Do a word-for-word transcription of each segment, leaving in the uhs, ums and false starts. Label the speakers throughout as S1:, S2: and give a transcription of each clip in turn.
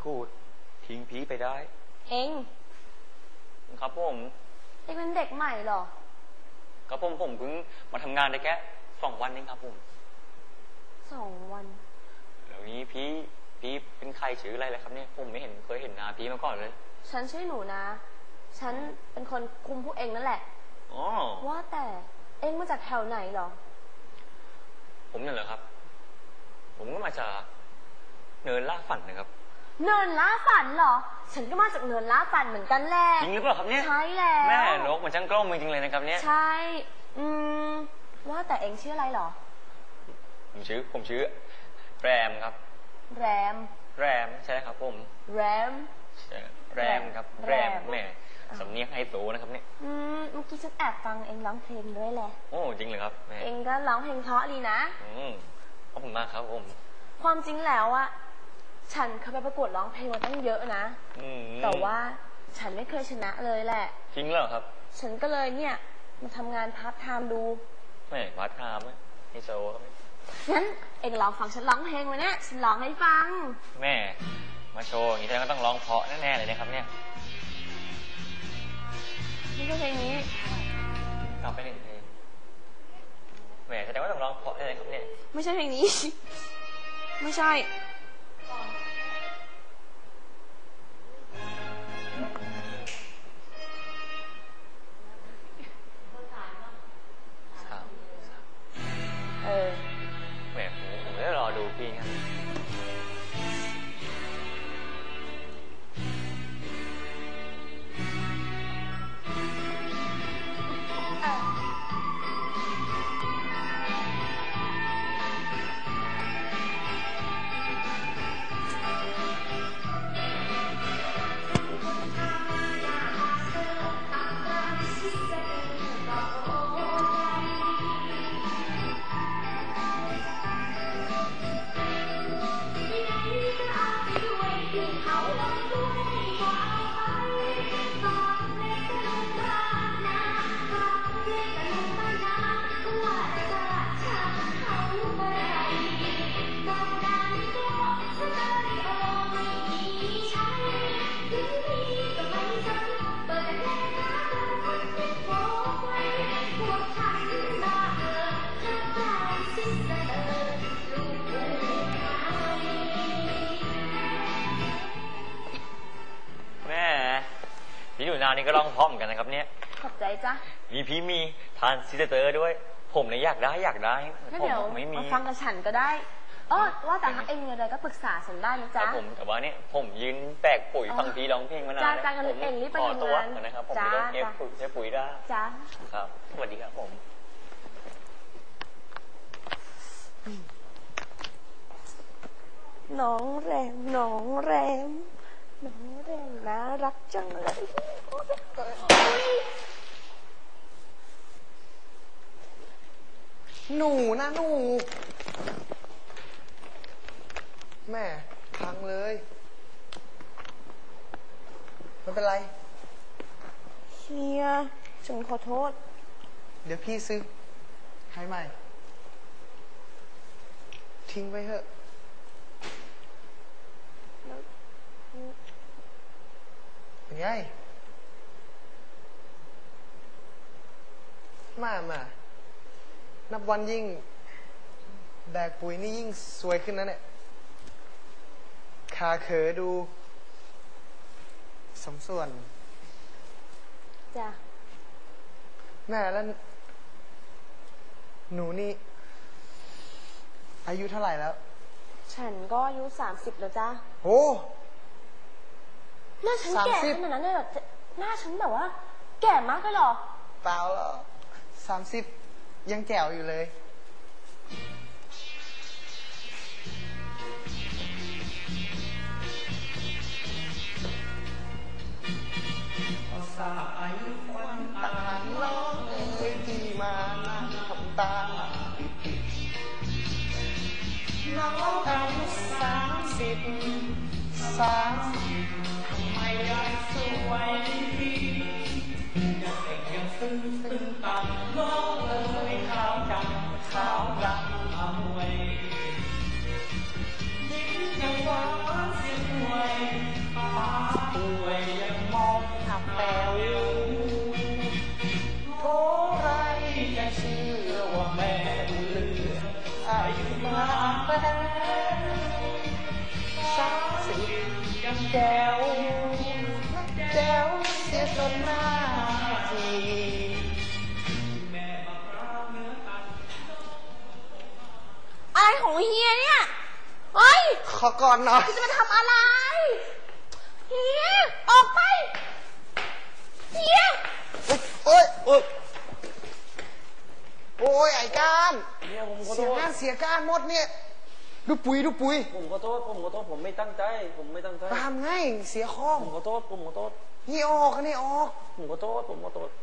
S1: พูดทิ้งพีไปได้
S2: เอง
S1: ครับผม
S2: เองเป็นเด็กใหม่หรอ
S1: ครับผมผมเพิ่งมาทำงานได้แค่สองวันเองครับผม
S2: สองวัน
S1: แล้วนี้พี่พี่เป็นใครชื่ออะไรเลยครับเนี่ยผมไม่เห็นเคยเห็นหน้าพี่มาก่อนเลย
S2: ฉันชื่อหนูนะฉันเป็นคนคุมพวกเองนั่นแหละ
S1: อ๋อ
S2: ว่าแต่เองมาจากแถวไหนหรอ
S1: ผมเนี่ยเหรอครับผมก็มาจากเนินล่าฝันนะครับ
S2: เนินล่าฝันเหรอฉันก็มาจากเนินล่าฝันเหมือนกันแหละ
S1: จริงหรือเปล่าครับเนี่ย
S2: ใช่แล้ว
S1: แม่นกมันช่างกล้องจริงเลยนะครับเนี่ย
S2: ใช่อืมว่าแต่เองชื่ออะไรหรอ
S1: ผมชื่อผมชื่อแรมครับ
S2: แรม
S1: แรมใช่ครับผม
S2: แรม
S1: แรมครับแรมแม่สำเนียงไฮโซนะครับเนี่ย
S2: อืมเมื่อกี้ฉันแอบฟังเองร้องเพลงด้วยแหละ
S1: โอ้จริงเลยครับแม่
S2: เองก็ร้องเพลงเพราะดีนะ
S1: อืมขอบคุณมากครับผม
S2: ความจริงแล้วอะฉันเคยไปประกวดร้องเพลงมาตั้งเยอะนะแต่ว่าฉันไม่เคยชนะเลยแหละ
S1: จริงเหรอครับ
S2: ฉันก็เลยเนี่ยมาทำงานพาร์ทไทม์ดู
S1: ไม่พาร์ทไทม์ไหมไฮโซครับ
S2: งั้นเองลองฟังฉันร้องเพลงมาเนี่ยฉันร้องให้ฟัง
S1: แม่มาโชว์อย่างนี้แสดงว่าต้องร้องเพราะแน่ๆเลยนะครับเนี่ย
S2: นี่ก็เพลงนี้
S1: กลับไปหนึ่งเพลงแม่แสดงว่าต้องร้องเพราะแน่ๆครับเนี่ย
S2: ไม่ใช่เพลงนี้ไม่ใช่เออ
S1: แหมผมจะรอดูพี่ครับพี่หนูนานี่ก็ร้องเพราะเหมือนกันนะครับเนี่ย
S2: ขอบใจจ้ะ
S1: มีพี่มีทานซิสเตอร์ด้วยผมเนี่ยอยากได้อยากได้
S2: ผมไม่มีฟังกับฉันก็ได้เออว่าแต่ถ้าเองมีอะไรก็ปรึกษาฉันได้นะจ๊ะ
S1: ผมแต่ว่าเนี่ยผมยืนแตกปุ๋ยฟังพี่ร้องเพลงมานาน
S2: แล้วจ้าจ้ากันเองรีบไปทำงาน
S1: นะครับผมจะเก็บปุ๋ยใช้ปุ๋ยได้
S2: จ้า
S1: ครับสวัสดีครับผม
S2: น้องแรมน้องแรมน้องแรมน่ารักจังเลย
S3: หนูนะหนูแม่พังเลยไม่เป็นไร
S2: เฮียฉันขอโทษ
S3: เดี๋ยวพี่ซื้อให้ใหม่ทิ้งไว้เถอะเป็นไงมามานับวันยิ่งแบกปุ๋ยนี่ยิ่งสวยขึ้นนะเนี่ยขาเขอดูสมส่วน
S2: จ้ะ
S3: แม่แล้วหนูนี่อายุเท่าไหร่แล้ว
S2: ฉันก็อายุสามสิบแล้วจ้ะ
S3: โอ้
S2: หน้าฉันแก่ขนาดนั้นเลยเหรอหน้าฉันแบบว่าแก่มากเลยเหรอ
S3: เปล่าหรอกสามสิบยังแจ๋วอยู่เลยสายควันต่างล้อเอ้ยที่มานั่งทำตาน้องอายุสามสิบสามสิบทำไมยังสวยยังเด็กยังซึ้งซึ้งต่ำน้องเอ๋ยขาวดำขาวดำเอาไว้ยิ้มยังหวานเสียงหวยแจ๋วแจ๋วเสียจนหน้าจี
S2: อะไรของเฮียเนี่ยเฮ้ย
S3: ขอก่อนหน่อย
S2: จะมาทำอะไรเฮียออกไปเฮีย
S3: โอ้ยโอ้ยโอ้ยไอ้ก้าน
S4: เนี่ยผมขอ
S3: เสี
S4: โท
S3: ย
S4: ษ
S3: งานเสียก้านหมดเนี่ย ดูปุ๋ยดูปุ๋ย
S4: ผมขอโทษผมขอโทษผมไม่ตั้งใจ ผมไม่ตั้งใจ
S3: ตามไงเสียข้อง
S4: ผมขอโทษผมขอโทษ
S3: นี่ออกนี่ออก
S4: ผมขอโทษผมขอโทษ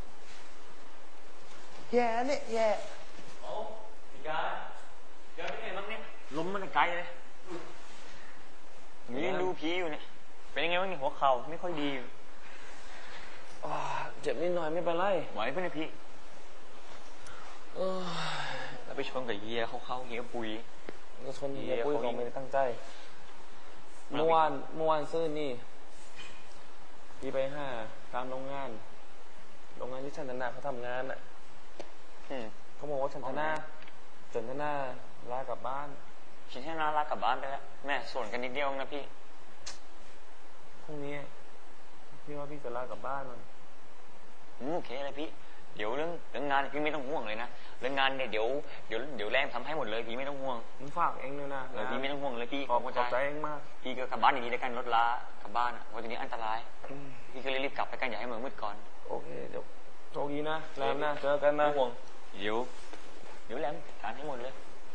S3: แย่เนี่ยแย่
S1: โอ้พี่กายเดี๋ยวเป็นไงบ้างเนี่ยล้มมันไกลเลยผมยืนดูผีอยู่เนี่ยเป็นยังไงบ้างเนี่ยหัวเข่าไม่ค่อยดี
S4: อ่าเจ็บนิดหน่อยไม่เป็นไร
S1: ไหวปะเนี่ยพี่
S4: เออ
S1: แล้วไปชนกับเฮียเขาเข้าเฮียปุย
S4: ก็ชน
S1: เหี้
S4: เฮี
S1: ย
S4: ยปุ้ย
S1: เขา
S4: เขาไม่ได้ตั้งใจ เมื่อวานเมื่อวานซื้อนี่พี่ไปห้าตามโรงงาน โรงงานที่ชันธนาเขาทำงานอ่ะ
S1: อืม
S4: เขาบอกว่าชันธนาชันธนาลากลับบ้าน
S1: คิดให้น่ารักกลับบ้านไปแล้วแม่ส่วนกันนิดเดียวนะพี่
S4: พรุ่งนี้พี่ว่าพี่จะลากลับบ้านมัน
S1: อืมโอเคเลยพี่เดี๋ยวเรื่องเรื่องงานพี่ไม่ต้องห่วงเลยนะเรื่องงานเนี่ยเดี๋ยวเดี๋ยวเดี๋ยวแรงทำให้หมดเลยพี่ไม่ต้องห่วง
S4: ผมฝากเองด้วยนะ
S1: เออพี่ไม่ต้องห่วงเลยพี่
S4: ขอบ
S1: ผม
S4: ข
S1: เข้า
S4: อบ
S1: ใจ
S4: ใจเองมาก
S1: พี่ก็กลับบ้านดีๆแล้วกันรถล้ากลับบ้านอ่ะเพราะทีนี้อันตราย
S4: อืม
S1: พี่ก็เลยรีบกลับไปกันอย่าให้เมืองมืดก่อน
S4: โอเคเดี๋ยวโชคดีนะแรมนะเจอกันนะ
S1: ไม่ห่วงเดี๋ยวเดี๋ยวแรมการให้หมดเลย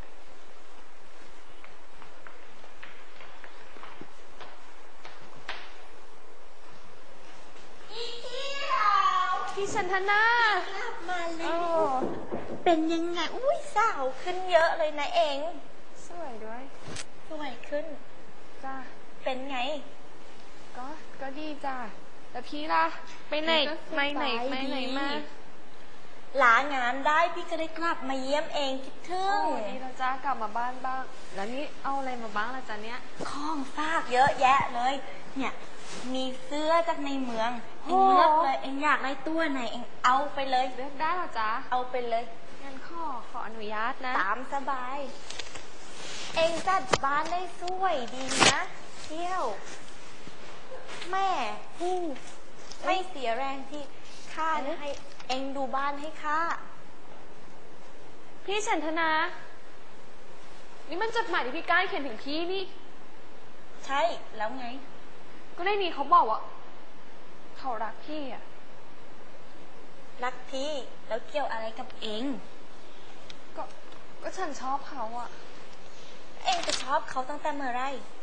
S2: พี่ชันธนา
S5: กลับมาแล้ว เป็นยังไง อุ้ยสาวขึ้นเยอะเลยนะเอง
S2: สวยด้วย
S5: สวยขึ้น
S2: จ้า
S5: เป็นไง
S2: ก็ก็ดีจ้าแล้วพี่ล่ะไปไหนไม่ไหนไม่ไหนมา
S5: ลางานได้พี่ก็ได้กลับมาเยี่ยมเองคิดถึ
S2: โอ้
S5: ง
S2: ดีแล้วจ้ากลับมาบ้านบ้าง แล้วนี่เอาอะไรมาบ้างล่ะจ๊ะเนี้ย
S5: ของฝากเยอะแยะเลย เนี่ย มีเสื้อจากในเมือง เองเลือกเลย เองอยากได้ตัวไหนเองเอาไปเลย
S2: เลือกได้เหรอจ๊ะ
S5: เอาไปเลย
S2: งั้นขอขออนุญาตนะ
S5: ตามสบาย เองจัดบ้านได้สวยดีนะเที่ยว แม่ผู้ไม่เสียแรงที่ข้าจะให้เองดูบ้านให้ข้า
S2: พี่ชันธนา นี่มันจดหมายที่พี่ก้ายเขียนถึงพี่นี่
S5: ใช่แล้วไง
S2: ก็ในนี้เขาบอกว่าเขารักพี่อ่ะ
S5: รักพี่แล้วเกี่ยวอะไรกับเอง
S2: ก็ก็ฉันชอบเขาอ่ะ
S5: เองจะชอบเขาตั้งแต่เมื่อไหร